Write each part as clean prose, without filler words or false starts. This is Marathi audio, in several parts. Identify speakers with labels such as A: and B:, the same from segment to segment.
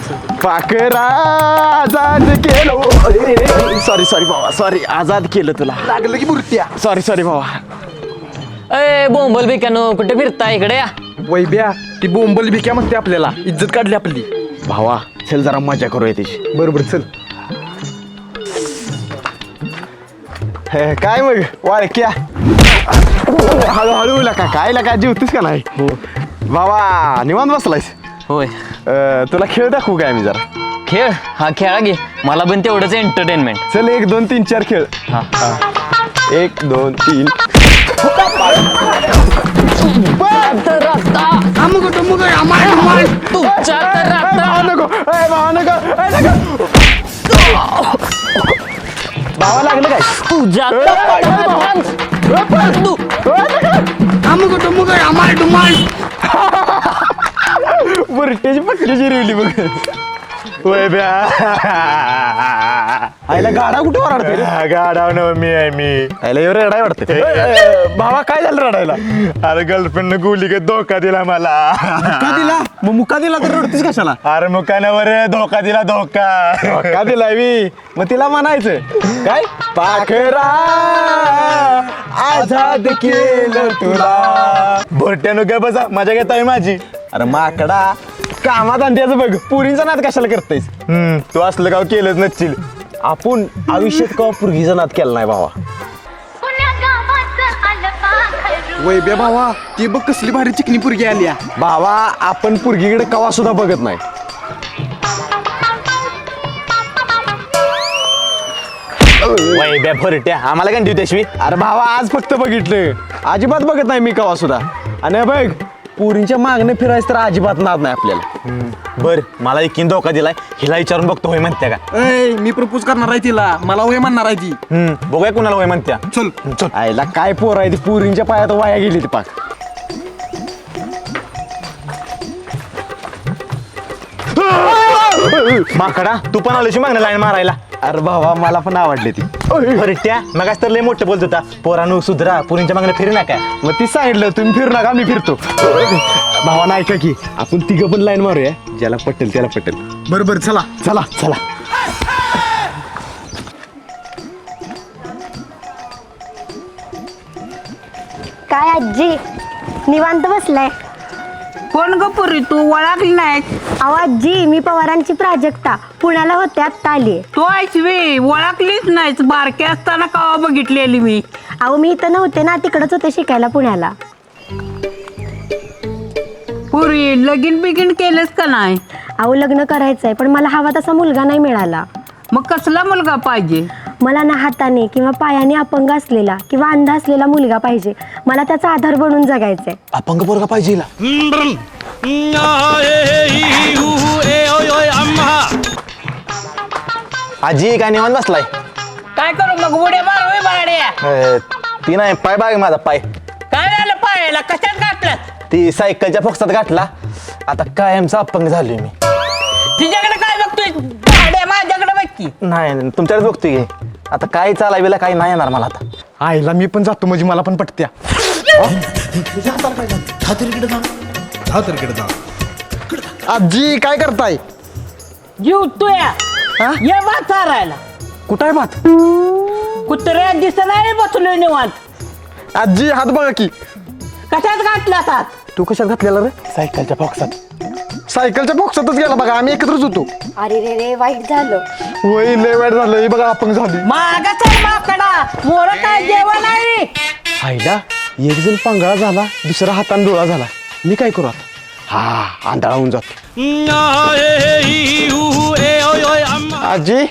A: पाखरा आजाद केलं. सॉरी भावा, सॉरी. आजाद केलं तुला.
B: लागलं की मूर्त्या.
A: सॉरी भावा.
C: अय बोंबल बिकानो कुठे फिरता इकडे या.
B: वैब्या ती बोंबल भिक्या म्हणते आपल्याला. इज्जत काढली आपली.
A: भावा चल जरा मजा करूया त्याची.
B: बरोबर चल.
A: काय मग वाळक्या हळूहळू लका काय लका जेवतीस का नाही. हो भावा निवांत बसलायस.
C: होय
A: तुला खेळ दाखवू काय मी जरा.
C: खेळ हा खेळा घे मला पण तेवढंच एंटरटेनमेंट.
A: चल 1 2 3 4 खेळ.
C: हा
A: 1 2 3. भावा लागलं काय.
C: तुझ्या
A: बुरट्याची पकडी जिरवली बघ. वय ब्या आईला गाडा कुठे वराडते रे.
B: गाडाव न मी आहे मी.
A: आईला एवढं रडाय वाटतं. भावा काय झालं रडायला.
B: अरे गर्लफ्रेंड गुली का धोका दिला मला.
A: का दिला मग मुका दिला तर रडतीस कशाला.
B: अरे मुकानावर धोका दिला धोका.
A: का दिलाय मी मग तिला म्हणायचं काय. पाखरा आजाद केलं तुला.
B: भोट्यानो काय बसा मजा घेत आहे माझी.
A: अरे माकडा कामात आणत्याचं बघ. पुरींचा नाद कशाला करतायस.
B: तू असलं गाव केलंच नसशील.
A: आपण आयुष्यात का पुरगीचा नाद केला नाही भावा.
B: वैब्या भावा ती बघ कसली भारी चिकनी पुरगी आली.
A: भावा आपण पुरगीकडे कवा सुद्धा बघत नाही.
B: वैब्या भरट्या आम्हाला काय देऊ.
A: अरे भावा आज फक्त बघितलं. अजिबात बघत नाही मी कवा सुद्धा. आणि बघ पुरींच्या मागणे फिरायचं तर अजिबात नाद नाही आपल्याला.
B: बर मला एकीन धोका दिलाय. हिला विचारून बघतो होय म्हणत्या का.
D: मी प्रपोज करणार आहे तिला. मला वय म्हणणार आहे ती.
B: बघूया कुणाला होय म्हणत्या.
D: चल
A: आईला काय पोर आहे ती. पुरींच्या पायात वाया गेली ती पाक.
B: माकडा तू पण आलोशी मागणं लाईन मारायला.
A: अरे भावा मला पण आवडली ती.
B: भरट्या मग तर लय मोठं बोलत होता. पोरानू सुधरा पुरींच्या मागणं फिरू नका.
A: मग ती सांगितलं तुम्ही फिरू नका मी फिरतो. भावा नाही का की आपण तिघं पण लाईन मारूया. ज्याला पटेल त्याला पटेल.
D: बरोबर चला.
A: चला चला.
E: काय आजी निवांत बसलाय.
F: कोण ग पुरी तू ओळखली नाही.
E: अहो आजी मी पवारांची प्राजक्ता पुण्याला होते आत्ता आली.
F: तू ऐकवी ओळखलीच नाहीस. बारके असताना कवा बघितलेली मी.
E: अहो मी इथं नव्हते ना तिकडच होते शिकायला पुण्याला.
F: पुरी लगीन बिगीन केलेस का नाही.
E: अहो लग्न करायचंय पण मला हवा तसा मुलगा नाही मिळाला.
F: मग कसला मुलगा पाहिजे.
E: मला ना हाताने किंवा पायाने अपंग असलेला किंवा अंध असलेला मुलगा पाहिजे. मला त्याचा आधार बनून जगायचंय.
A: अपंग पोरगा पाहिजे हिला.
B: आजी काय निवांत बसलाय.
F: काय करू मग उड्या मारू बाड्या.
B: ती नाही पाय बाग माझा पाय.
F: काय झालं पायाला कशात घातलं.
B: ती सायकलच्या फोक्सात गाठला. आता कायमचा अपंग झालोय मी.
F: तिच्याकडे काय बघतोय. बाड्या माझ्याकडे बघ की.
B: नाही तुमच्याकडे बघतोय की. आता काय चालायला काय नाही येणार मला आता.
A: आईला मी पण जातो म्हणजे मला पण पटत्या. आजी काय करताय.
F: जीव तुया ये भात चारायला.
A: कुठं आहे भात.
F: कुत्र्या दिसत नाही बसलोय निवांत.
A: आजी हात बघा की.
F: कशात घातला हात.
A: तू कशात घातलेला रे.
B: सायकलच्या फोक्सात.
A: सायकलच्या बॉक्सातच गेला बघा. आम्ही एकत्रच होतो.
E: अरे रे रे वाईट झालं.
A: वय लय वाईट झालं. हे बघा अपंग झाली.
F: मागा चल माकडा. मोर काय जेवण आहे.
A: आईला एक जण पांगळा झाला दुसरा हातान डोळा झाला. मी काय करू आता. हा आंधळा होऊन जातो. आजी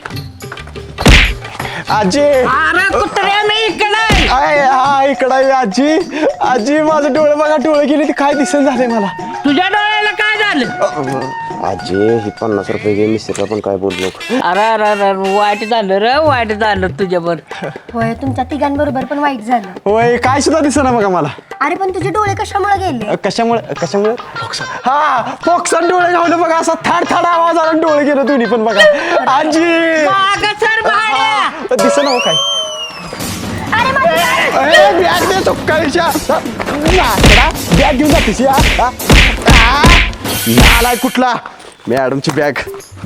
A: आजी
F: अरे कुत्र्या मी इकडे.
A: हा इकडं आहे आजी. आजी माझं डोळे बघा डोळे गेले ते काय दिसन झालंय मला.
F: तुझ्या डोळ्याला काय झालं.
A: आजी ही 50 रुपये घे. मिस्टर पण काय बोललो.
F: अरे अरे अरे वाईट झालं रे वाईट झालं तुझ्यावर.
E: होय तुमच्या तिघांबरोबर पण वाईट झालं.
A: होय काय सुद्धा दिसेना बघा मला.
E: अरे पण तुझे डोळे कशामुळे गेले.
A: कशामुळे हा फोक्सात डोळे घावलं बघा. असा थाड आवाज आला आणि डोळे गेले दोन्ही पण बघा. आजी
F: मागं सर भाड्या.
A: दिसेना हो काय.
E: अरे
A: बॅग दे तो काळीच्या. बॅग घेऊन जातीस या. नालाय कुठला. मॅडमची बॅग.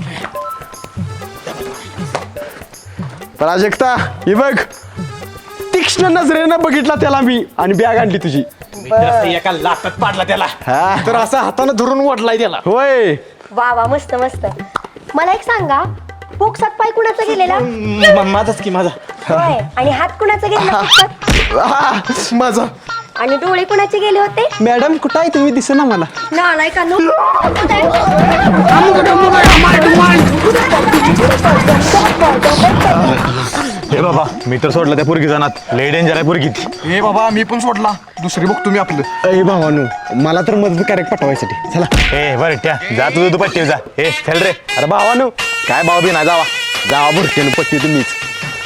A: प्राजक्ता ही बघ, तीक्ष्ण नजरेनं बघितला त्याला मी आणि बॅग आणली तुझी.
B: एका लाटात पाडला त्याला.
A: हा
D: तर असं हातानं धरून ओढलाय त्याला.
A: होय.
E: वा वा मस्त मस्त. मला एक सांगा, पोक्सात पाय कुणाचा गेलेला?
B: माझाच की माझा.
E: होय. आणि हात कुणाचा गेलेला पोक्सात?
D: माझा.
E: आणि डोळे कुणाचे गेले होते?
A: मॅडम कुठं आहे तुम्ही दिसेना मला.
E: नालाय का नो?
B: हे बाबा मी तर सोडलं त्या पुरगी जाणार. लय डेंजर आहे पुरगी ती.
D: हे बाबा मी पण सोडला. दुसरी बघ तुम्ही आपलं.
A: अय भावानू, मला तर मदत करेक्ट पाठवायसाठी. चला.
B: ए बरं त्या जा तुझं तू पट्टी जा. ए चल रे.
A: अरे भावानू, काय भाव बी नाही, जावा जावा भरतेन पट्टी तुम्हीच.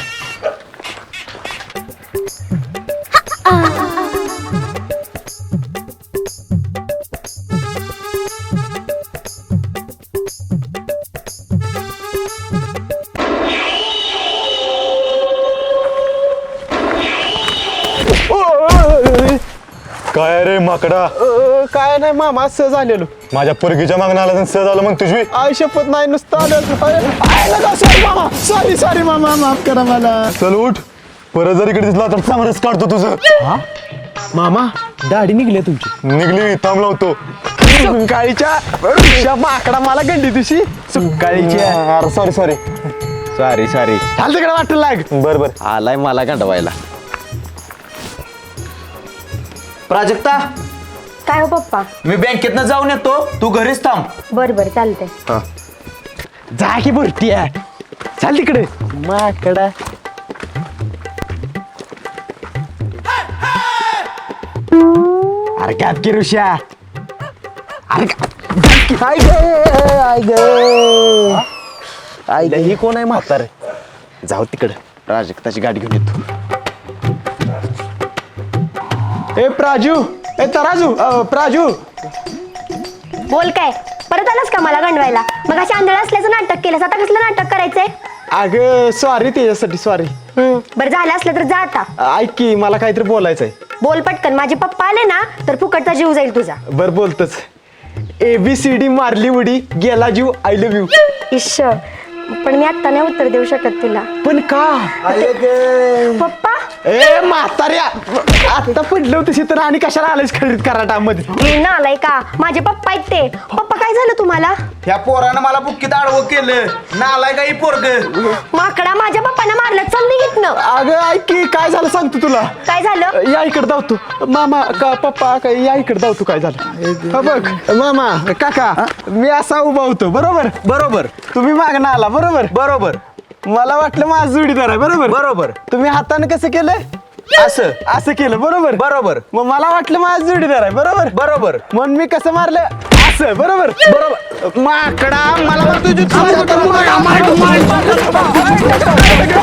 B: काय रे माकडा,
A: काय नाही मामा, सहज आलेलो.
B: माझ्या पुरगीच्या मागणं आला सहज आलं मग तुझी.
A: आई शपथ नाही, नुसतं आलं. सॉरी मामा, सॉरी मामा, माफ करा मला.
B: चल उठ, परत जर इकडे दिसला तर सामरच काढतो तुझं.
A: मामा दाढी निघली तुमची.
B: निघली थांब लावतो.
A: सुकाळीच्या माकडा मला गंडी तुझी. सुकाळीच्या.
B: सॉरी
A: सॉरी चाल तिकडे वाटलं लाग.
B: बर बर.
A: आलाय मला गंडवायला.
G: प्राजक्ता,
E: काय हो पप्पा?
G: मी बँकेतनं जाऊन येतो, तू घरीच थांब.
E: बर बर चालतंय.
A: जा की भरती आहे. चाल तिकडे माकडा. अरे गॅप की ऋषा. अरे आई ही कोण आहे म्हातार? जाऊ तिकडे, प्राजक्ताची गाडी घेऊन येतो. ए प्राजू, ए तराजू, प्राजू.
E: बोल काय? परत आलास का मला गंडवायला? मग अशी आंधळ असल्याचं नाटक केलंस, आता कसलं नाटक करायचंय?
A: अगं सॉरी, त्याच्यासाठी सॉरी.
E: बरं झालं असलं तर जा आता.
A: ऐक की, मला काहीतरी बोलायचंय.
E: बोल पटकन, माझे पप्पा आले ना तर फुकटचा जीव जाईल तुझा.
A: बर बोलतच. ABCD मारली उडी, गेला जीव, आय लव्ह यू.
E: इश्श, पण मी आता नाही उत्तर देऊ शकत तुला.
A: पण का?
E: पप्पा,
A: ए म्हाताऱ्या, आता पडलं तशी तर आणि कशाला आलेस खरेदी कराटामध्ये?
E: हे ना आलाय का? माझे पप्पा आहेत ते. पप्पा काय झालं तुम्हाला?
G: ह्या पोरानं मला बुक्कीत आडवं केलं. नालाय का ही पोरग.
E: माकडा, माझ्या पप्पांना मारलं. चल निघितनं.
A: अगं ऐक की, काय झालं सांगतो तुला.
E: काय झालं?
A: या इकडे धावतो. मामा का पप्पा काय, या इकडे धावतो. काय झालं हा बघ. मामा काका, मी असा उभा होतो बरोबर.
G: बरोबर
A: तुम्ही मागणं आला बरोबर.
G: बरोबर
A: मला वाटलं माझा जोडीदार आहे बरोबर.
G: बरोबर.
A: तुम्ही हाताने कसं केलं?
G: असं
A: असं केलं बरोबर.
G: बरोबर
A: मग मला वाटलं माझा जोडीदार आहे बरोबर.
G: बरोबर
A: म्हणून मी कसं मारलं? असं बरोबर.
G: बरोबर. माकडा, मला म्हणतो